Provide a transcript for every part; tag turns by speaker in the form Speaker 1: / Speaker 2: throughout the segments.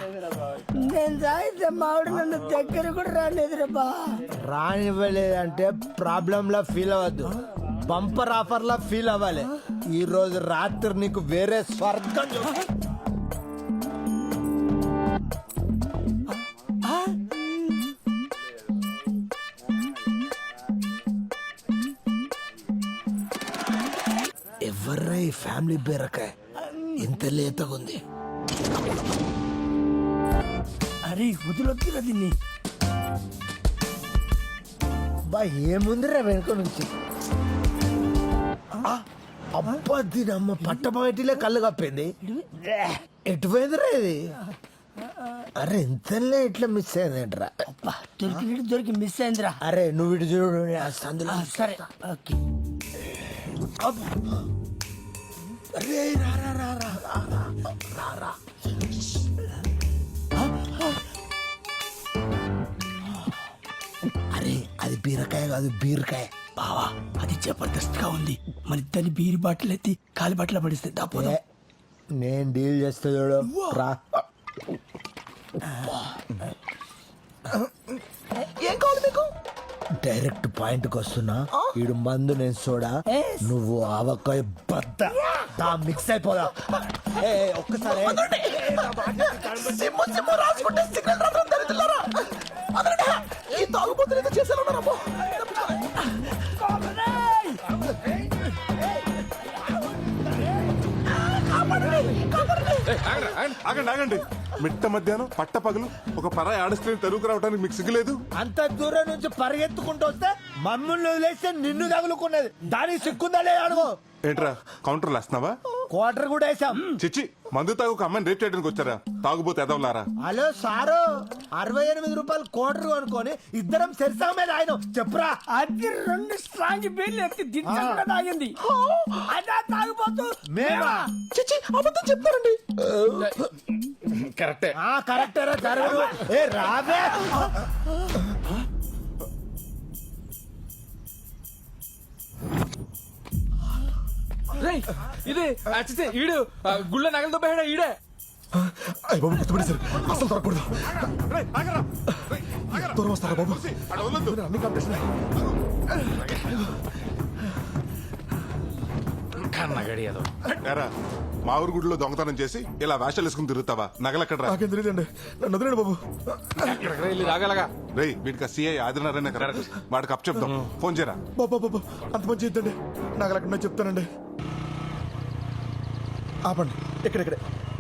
Speaker 1: నేను తాగితే మావిడ నన్ను దగ్గర కూడా రాలేదురా బా.
Speaker 2: రానివ్వలేదంటే ప్రాబ్లం లా ఫీల్ అవ్వద్దు, బంపర్ ఆఫర్ లా ఫీల్ అవ్వాలి. ఈ రోజు రాత్రి నీకు వేరే స్వర్గం ఎవర్రా ఈ ఫ్యామిలీ బీరకాయ ఇంత లేతగుంది?
Speaker 1: అరే వదిలొద్దురా దీన్ని.
Speaker 2: బా ఏముందిరా వెనుక నుంచి? అబ్బా దీని అమ్మ పట్టబయటిలే కళ్ళు కప్పింది. ఎటు పోయిందిరా ఇది? అరే ఇంతలే ఇట్లా మిస్ అయిందేంట్రా?
Speaker 1: దొరికి మిస్ అయిందిరా.
Speaker 2: అరే నువ్వు ఇటు చూడు, అందులో
Speaker 1: సరే ఓకే.
Speaker 2: అరే రా రా రా రా రా రా రా. అరే అది బీరకాయ కాదు, బీరకాయ.
Speaker 1: బావా అది జబర్దస్త్ గా ఉంది. మన ఇద్దరిని బీరి బాటిల్ ఎత్తి కాలి బాటిల్ పడిస్తే దాపోదా.
Speaker 2: నేను డీల్ చేస్తా చూడు, రా. ఏం కావాలి మీకు? డైరెక్ట్ పాయింట్ కి వస్తున్నా. ఈడు మందు నేను సోడా, నువ్వు ఆవకాయ బద్ద. మిక్స్ అయిపోదా? ఒక్కసారి
Speaker 3: ఆగండి ఆగండి, మిట్ట మధ్యాహ్నం పట్ట పగలు ఒక పరాయి ఆడస్ట్రీని తరువుకు రావడానికి మీకు సిగ్గులేదు?
Speaker 2: అంత దూరం నుంచి పరిగెత్తుకుంటూ వస్తే మమ్మల్ని వదిలేస్తే నిన్ను తగులుకున్నది. దానికి సిగ్గుందా లేదా అడుగు.
Speaker 3: ఏంట్రా కౌంటర్లు వేస్తున్నావా?
Speaker 2: క్వార్టర్ కూడా వేసాం.
Speaker 3: చిచ్చి, మందు తాగు ఒక అమ్మాయిని రేప్ చేయడానికి వచ్చారా? తాగుబోతే ఎదవలారా?
Speaker 2: హలో సారు, 68 రూపాయలు క్వార్టర్ అనుకొని ఇద్దరం సెరిసా మీద ఆయన చెప్పురా.
Speaker 1: అది 2 స్ట్రాంగ్ బీర్లు ఎత్తి దించకుండా తాగింది. అదా తాగిపోతూ
Speaker 2: మేమా?
Speaker 3: చిచ్చి, అబద్ధం చెప్తారండి. కరెక్టే.
Speaker 2: కరెక్టరా జరగదు. ఏ రావే.
Speaker 4: ఇదే అచ్చితే ఈడు గుళ్ళ నగలతో పోయాడా ఈడే?
Speaker 3: అయ్య బాబు గుర్తుపడేశారు, అసలు దొరకకూడదు. దూరం వస్తారా బాబు? అన్ని కాంపిటీషన్. మా ఊరు గుడిలో దొంగతనం చేసి ఇలా వేషాలు వేసుకుని తిరుగుతావా? నగలెక్కడరా? నాకేం తెలియదండి, నన్ను వదిలేండి బాబు. రేయ్ వీడికి సిఐ ఆదినారాయణ కదా, వాడికి అప్ చెప్దాం. ఫోన్ చేయరా బాబు. బాబు అంత మంచి చేద్దండి, నగలెక్కడ చెప్తానండి. ఆపండి, ఇక్కడే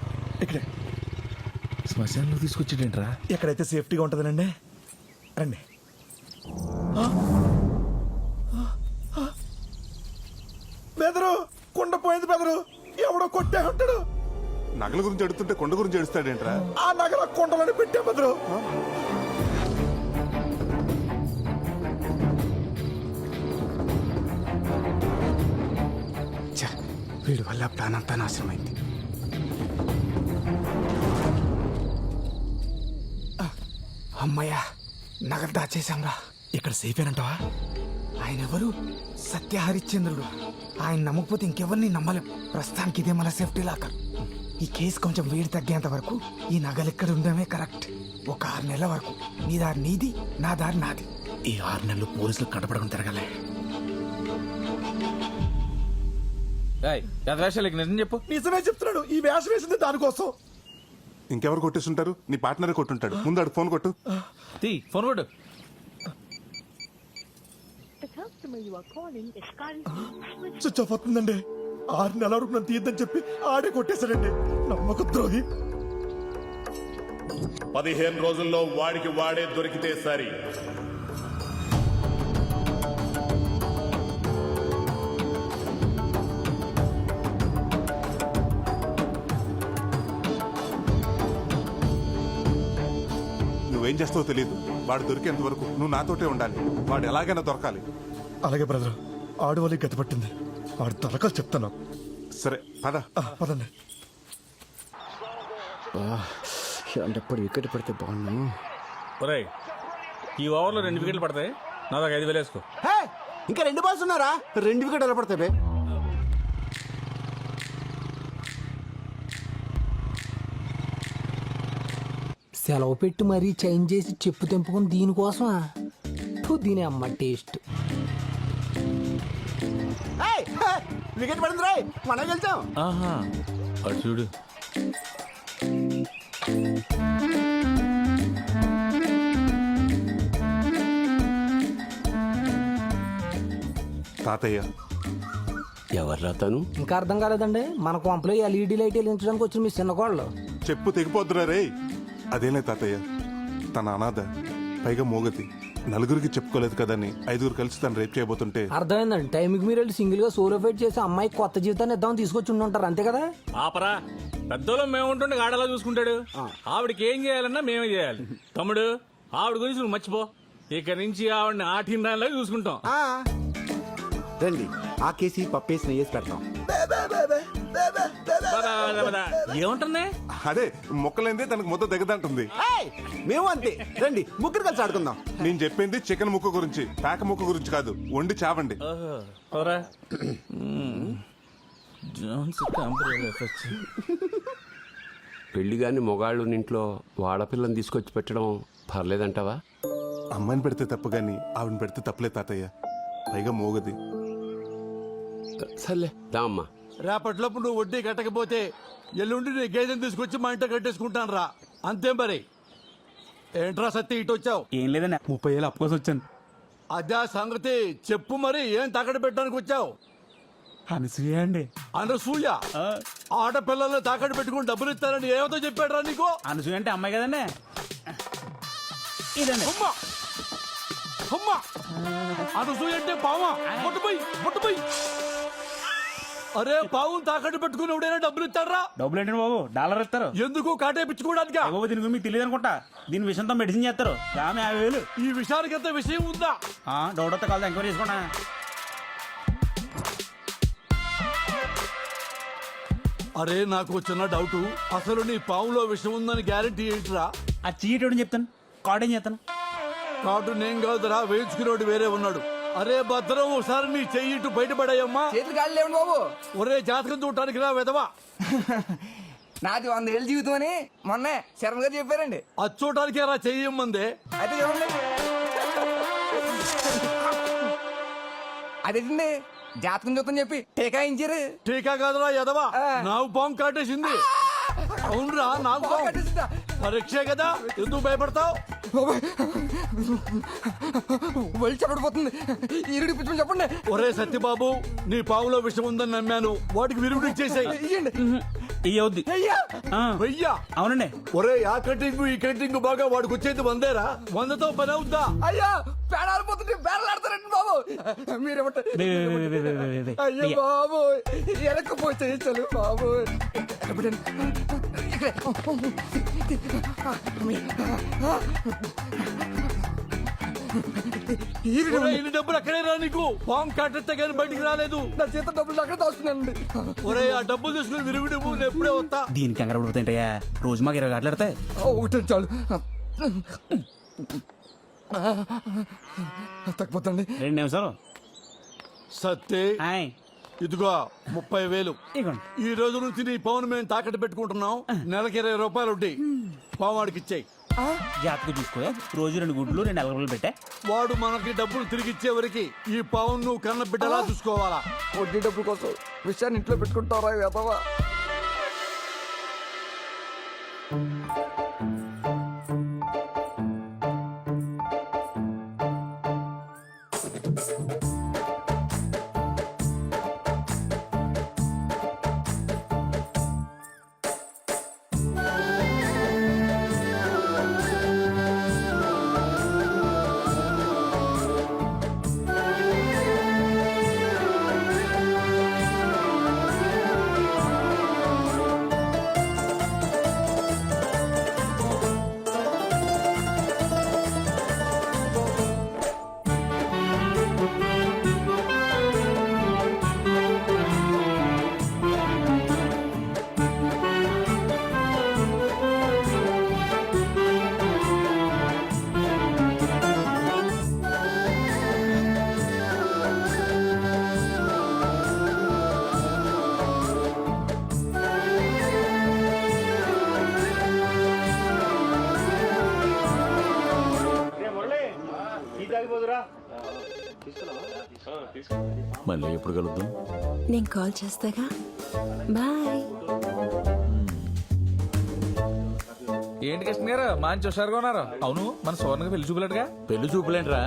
Speaker 4: శ్మశానంలో తీసుకొచ్చేటేంట్రా?
Speaker 3: ఎక్కడైతే సేఫ్టీగా ఉంటుందనండి. రండి. బెదరు కొండ పోయింది బెదరు, ఎవడో కొట్టే ఉంటాడు. నగల గురించి అడుగుతుంటే కొండ గురించి అడుస్తాడేంట్రా? ఆ నగల కొండలని పెట్టే బెదరు.
Speaker 5: వీడి వల్ల ప్లాన్ అంతా నాశనమైంది. అమ్మయ్యా, నగలు దాచేశాంరా. ఇక్కడ సేఫ్ ఏనంటావా? ఆయన ఎవరు? సత్య హరిశ్చంద్రుడు. ఆయన నమ్మకపోతే ఇంకెవరిని నమ్మలేం. ప్రస్తుతానికి ఇదే మన సేఫ్టీ లాకర్. ఈ కేసు కొంచెం వేడి తగ్గేంత వరకు ఈ నగలు ఇక్కడ ఉండడమే కరెక్ట్. ఒక 6 నెలల వరకు నీ దారి నీది, నా దారి నాది. ఈ 6 నెలలు పోలీసులు కనపడకుండా తిరగలే.
Speaker 4: నిజం చెప్పు.
Speaker 3: నిజమే చెప్తున్నాడు, ఈ వేషం వేసింది దానికోసం. ఇంకెవరు కొట్టేస్తుంటారు? నీ పార్ట్నరే కొట్టుంటాడు. ముందు ఆడు ఫోన్ కొట్టు.
Speaker 4: ఫోన్ కొట్టు.
Speaker 3: స్విచ్ ఆఫ్ అవుతుందండి. 6 నెలల వరకు నన్ను తీయద్దని చెప్పి ఆడే కొట్టేశాడండి. నమ్మక ద్రోహి.
Speaker 6: 15 రోజుల్లో వాడికి వాడే దొరికితే సరి.
Speaker 3: నువ్వేం చేస్తావో తెలియదు. వాడు దొరికేంత వరకు నువ్వు నాతోటే ఉండాలి. వాడు ఎలాగైనా దొరకాలి. అలాగే బ్రదర్, ఆడు వాళ్ళకి గతి పట్టింది. వాడు దొరకాలి చెప్తాను. సరే పదండి.
Speaker 5: ఎప్పుడు వికెట్ పడితే బాగున్నాను.
Speaker 4: ఈ ఓవర్లో 2 వికెట్లు పడతాయి. నా దాకా 5,000 వేసుకో.
Speaker 5: ఇంకా 2 బాల్స్ ఉన్నారా? 2 వికెట్ ఎలా పడతాయి? సెలవు పెట్టి మరీ చేంజ్ చేసి చెప్పు తెంపుకుని దీనికోసమా దీని అమ్మ టేస్ట్.
Speaker 2: వికెట్ పడింది రాయ్, మనం గెలిచాం.
Speaker 4: ఆహా అటు చూడు.
Speaker 3: తాతయ్య
Speaker 7: ఎవర్రా తను?
Speaker 5: ఇంకా అర్థం కాలేదండి, మన కొంపలో ఎల్ఈడి లైట్ వెలిగించడానికి వచ్చిన మీ చిన్న కోళ్ళు.
Speaker 3: చెప్పు తెగిపోద్దురా రే. అదేలే తాతయ్య, తన అనాథ, పైగా మోగతి, నలుగురికి చెప్పుకోలేదు కదని 5గురు కలిసి తను రేప్ చేయబోతుంటే.
Speaker 5: అర్థమైందండి, టైంకి మీరు వెళ్ళి సింగిల్ గా సోలో ఫైట్ చేసి అమ్మాయి కొత్త జీవితాన్ని ఇద్దామని తీసుకొచ్చి ఉండుంటారు, అంతే కదా?
Speaker 4: ఆపరా, పెద్దోళ్ళం మేము ఉంటుండే ఆడలా చూసుకుంటాడు. ఆవిడకి ఏం చేయాలన్నా మేమే చేయాలి. తమ్ముడు, ఆవిడ గురించి నువ్వు మర్చిపో. ఇక నుంచి ఆవిడని ఆటిందానిలాగా చూసుకుంటాం.
Speaker 2: రండి, ఆ కేసి పప్పేసి నెయ్యేసి పెడతాం.
Speaker 4: ఏముంటుంది?
Speaker 3: అదే మొక్కలైందే తనకు ముద్ద దిగదంటుంది.
Speaker 2: మేము అంతే, రండి ముగ్గురు కలిసి ఆడుకుందాం.
Speaker 3: నేను చెప్పింది చికెన్ ముక్క గురించి, పేక ముక్క గురించి కాదు. వండి చావండి.
Speaker 7: పెళ్లిగాని మొగాళ్ళు ఇంట్లో వాడపిల్లని తీసుకొచ్చి పెట్టడం పర్లేదంటావా?
Speaker 3: అమ్మాయిని పెడితే తప్పు గాని ఆవిడని పెడితే తప్పులే తాతయ్య, పైగా మోగది.
Speaker 7: సర్లే దా అమ్మా.
Speaker 8: రేపట్లోపు నువ్వు వడ్డీ కట్టకపోతే ఎల్లుండి నీ గేదెని తీసుకొచ్చి మా ఇంట్లో కట్టేసుకుంటాను రా. అంతే మరి. ఏంట్రా సత్తి ఇటు వచ్చావు?
Speaker 1: ఏం లేదన్నా, 30,000 అప్పు కోసం వచ్చాను.
Speaker 8: అదే సంగతి చెప్పు మరి, ఏం తాకట్టు పెట్టడానికి వచ్చావు?
Speaker 1: అనసూయ అండి.
Speaker 8: అనసూయ? ఆడపిల్లల్ని తాకట్టు పెట్టుకుని డబ్బులు ఇస్తానని ఏమతో చెప్పాడురా నీకు?
Speaker 1: అనసూయ అంటే అమ్మాయి కదండి. ఇదండి.
Speaker 8: అమ్మా అమ్మా, అనసూయ అంటే పావా? ముట్టుపోయి. అరే, పావును తాకట్టు పెట్టుకుని ఎవడైనా డబ్బులు ఇస్తాడరా?
Speaker 1: డబ్బులు ఏంటండి బాబు, డాలర్ ఇస్తారు.
Speaker 8: ఎందుకు కాటేపించుకోవడానికి?
Speaker 1: బాబు దీని గురించి మీకు తెలియదు అనుకుంటా. దీని విషయంతో మెడిసిన్ చేస్తారు. ఆమె 50,000.
Speaker 8: ఈ విషయానికి ఎంత విషయం ఉందా?
Speaker 1: డౌట్ వస్తే కాదు, ఎంక్వైరీ చేసుకుంటా.
Speaker 8: అరే, నాకు చిన్న డౌట్. అసలు నీ పావులో విషయం ఉందని గ్యారెంటీ ఏంటిరా?
Speaker 1: ఆ చీటోడని చెప్తాను, కార్డ్ ఏం చేస్తాను.
Speaker 8: కార్డు నేను కాదురా, వేయించుకునేవాడు వేరే ఉన్నాడు. అరే భద్రం, ఒకసారి నీ చెయ్యి ఇటు బయటపడాయమ్మా.
Speaker 5: చేతులు గాలి లేవండి బాబు.
Speaker 8: ఒరే, జాతకం చూడటానికి రా వెదవా.
Speaker 5: నాది 100 ఏళ్ళ జీవితం అని మొన్న శర్మ గారు చెప్పారండి.
Speaker 8: అది చూడటానికి రా చెయ్యమ్మందే.
Speaker 5: అయితే చూడండి, అదేంటండి జాతకం చూద్దాం చెప్పి టీకాయించారు.
Speaker 8: టీకా కాదురా ఎదవా, నాకు పాము కాటేసింది. అవునరా, నాకు పాము. పరీక్షే కదా, ఎందుకు భయపడతావు?
Speaker 5: వెళ్ళి చెప్పడిపోతుంది, ఈరుడి పిచ్చి చెప్పండి.
Speaker 8: ఒరే సత్యబాబు, నీ పావులో విషయం ఉందని నమ్మాను, వాటికి విరుగుడు ఇచ్చేసాయి.
Speaker 1: ఇయ్యవుద్ది.
Speaker 8: వెయ్యా?
Speaker 1: అవునండి.
Speaker 8: ఒరే, ఆ కటింగ్ ఈ కటింగ్ బాగా వాడికి వచ్చేది 100రా. 100తో పని అవుద్దా?
Speaker 5: అయ్యా, పేడాలు పోతుంటే పేడలాడతారండి బాబు. మీరేమంటారు? అయ్యో బాబు, ఎనకపోతే చలు బాబు.
Speaker 8: ఒరే, ఇన్ని డబ్బులు అక్కడే రా నీకు. పాము కాటేస్తే కానీ బయటికి రాలేదు.
Speaker 5: నా చేత డబ్బులు అక్కడ దాస్తున్నానండి.
Speaker 8: ఒరే, ఆ డబ్బులు తీసుకుని విరుగుడు నేను ఎప్పుడే వస్తా.
Speaker 1: దీనికి కంగారు పడిపోతాయంటయ్యా, రోజు మాకు 20 గంటలు ఎడతాయి.
Speaker 5: ఒకటి చాలు, తగ్గిపోతండి.
Speaker 1: 2 నిమిషాలు.
Speaker 8: సత్తే, ఇదిగో 30,000. ఈ రోజు నుంచి నీ పావును మేము తాకట్టు పెట్టుకుంటున్నాం. నెలకి 20 రూపాయలు వడ్డీ. పావు వాడికి ఇచ్చేయి.
Speaker 1: జాతకు చూసుకో, రోజు 2 గుడ్లు 2 అలగలు పెట్టా.
Speaker 8: వాడు మనకి డబ్బులు తిరిగి ఇచ్చే వరకు ఈ పావును నువ్వు కన్న బిడ్డలా చూసుకోవాలా.
Speaker 5: వడ్డీ డబ్బుల కోసం విషయాన్ని ఇంట్లో పెట్టుకుంటారా వెదవా?
Speaker 6: మళ్ళీ ఎప్పుడు కలుద్దాం?
Speaker 9: నేను కాల్ చేస్తాగా. బాయ్.
Speaker 4: ఏంటి కృష్ణ గారు మంచి హుషారుగా ఉన్నారు. అవును మన సువర్ణకి పెళ్లి చూపులేడుగా.
Speaker 6: పెళ్లి చూపులేంట్రా